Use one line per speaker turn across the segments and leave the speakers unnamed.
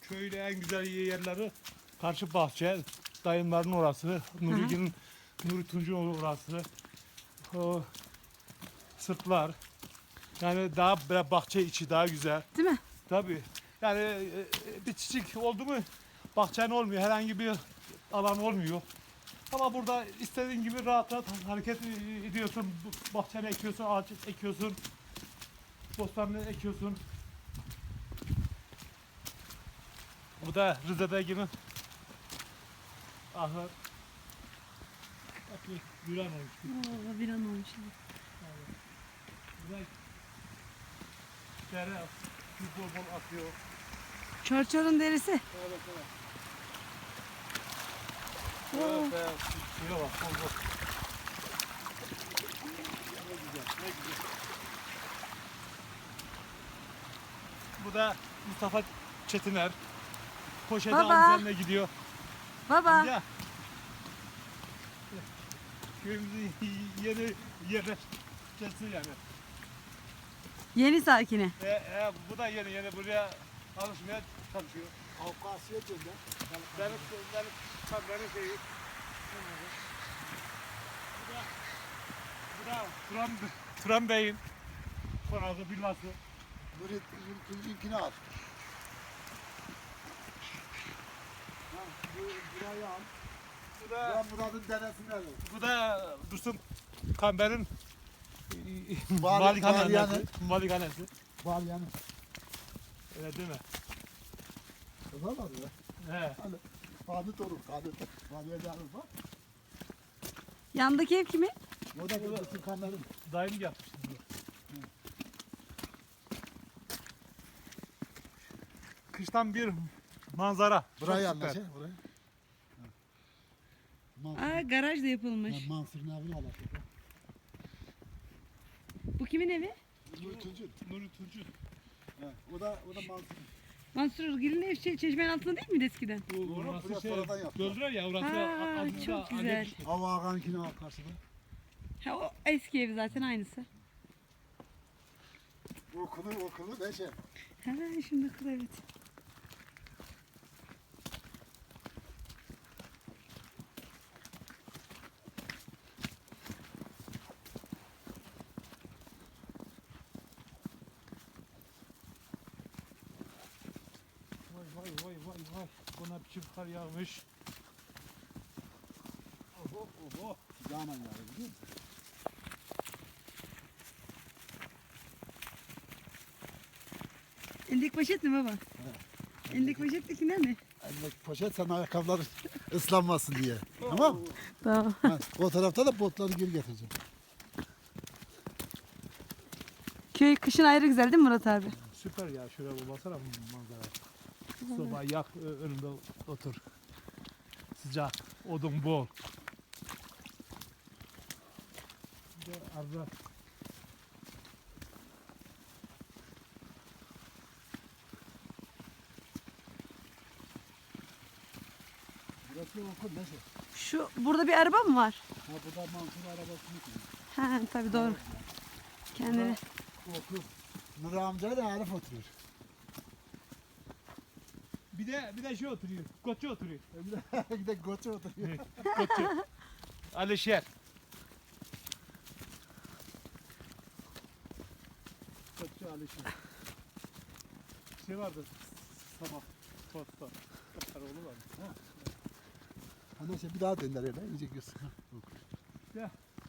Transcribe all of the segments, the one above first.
Köyde en güzel yerleri karşı bahçe, dayımların orası, Nuri Tunç'un orası, o sırtlar. Yani daha böyle bahçe içi daha güzel.
Değil mi?
Tabii. Yani bir çiçek oldu mu bahçen olmuyor, herhangi bir alan olmuyor. Ama burada istediğin gibi rahat rahat hareket ediyorsun. Bahçeni ekiyorsun, ağaç ekiyorsun, bostanını ekiyorsun. Bu da Rize'de gibi ahır. Bak bir an olmuş.
Oo, bir an olmuş.
Burada dere bol bol akıyor.
Çorçor'un derisi.
Evet.
Oo.
Evet, şuna bak, bol bol. Ne güzel. Bu da Mustafa Çetiner. Poşeti
Baba.
amcanla gidiyor.
Baba.
Amca. Köyümüzün yeni yerleşkesi yani.
Yeni sakini.
Bu da yeni buraya alışmaya çalışıyor.
Kavkasya gönder.
Benim şeyi. Bu da Turan Bey'in konağı villası.
Nurettin'inkini al. Burayı al.
Bu
Murat'ın denesini al.
da Dursun Kamber'in
Malikanesi.
malikanesi.
Var yani.
Öyle değil mi?
Kızar var ya.
He.
Kanıt olur, kanıt. Maliyeceğiniz var.
Yandaki ev kimin?
O da Nurettin kamerim.
Dayım yapmış. Kıştan bir manzara.
Burayı
Çok süper.
anla burayı.
Aa, garaj da yapılmış.
Mansur'un evini al.
Bu kimin evi?
Nuri Tunç'un.
O da Mansur'un.
Mansur Özgür'ün ev çeşmenin altında değil miydi eskiden?
Orası
burası
şey,
sonradan yaptı.
gördüler ya orası.
Ha,
adında
çok
anne
güzel.
düştü.
Hava Ağa'nkini al karşıda.
Ha, o eski evi zaten aynısı.
Okulu ne şey?
Ha, şimdi kız evet.
Vay. Buna bir çift kar yağmış. Oho.
Canan yani biliyor musun?
Elindeki poşet mi baba? Elindeki poşettekinden mi?
Elindeki poşet sen ayakkabılar ıslanmasın diye. Tamam mı?
Tamam.
Ha, o tarafta da botları geri getireceğim.
Köy kışın ayrı güzel değil mi Murat abi?
Süper ya, şuraya bir baksana manzara. Soba yak, önünde otur. Sıcak, odun bol. Bir de arada
Burası okul ne şey?
Şu burada bir araba mı var?
Ha burada Mansur arabasını koyuyor.
Ha tabii doğru. Kendine.
Okul. Nur amca da Arif oturuyor.
bir de şey oturuyor. Koçu oturuyor.
Bir de Goçu oturuyor.
Koçu. Alişer. Koçu Alişer. Şey vardı. Sabah. Tosta. Oğlu vardı.
Ha neyse bir daha dönder öyle iyice göz.
Ya.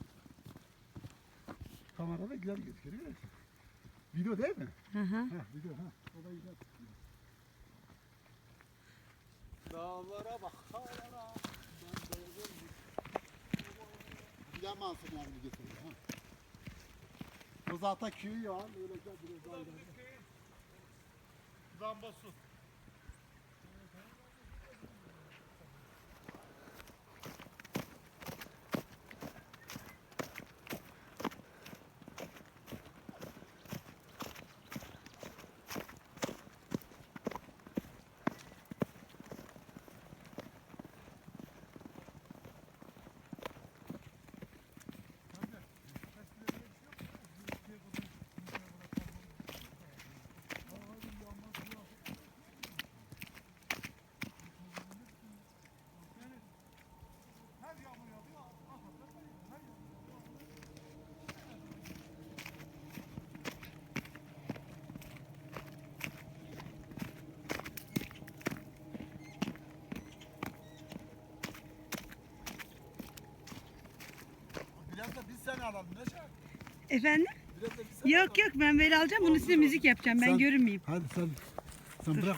Kamerada güzel gözüküyor. Video değil mi?
Hı hı.
Ha video ha. O da güzel.
Dağlara bak. Dağlara.
Bir de Mansur'un evini getiriyor. Ha. O zaten köyü ya. Öyle güzel biraz daha ileride.
Zambosu.
da biz seni alalım Neşe.
Efendim?
Biraz da biz seni alalım.
Yok yok ben böyle alacağım. Bunun üstüne müzik yapacağım. Ben
Sen-
görünmeyeyim.
Hadi sen bırak.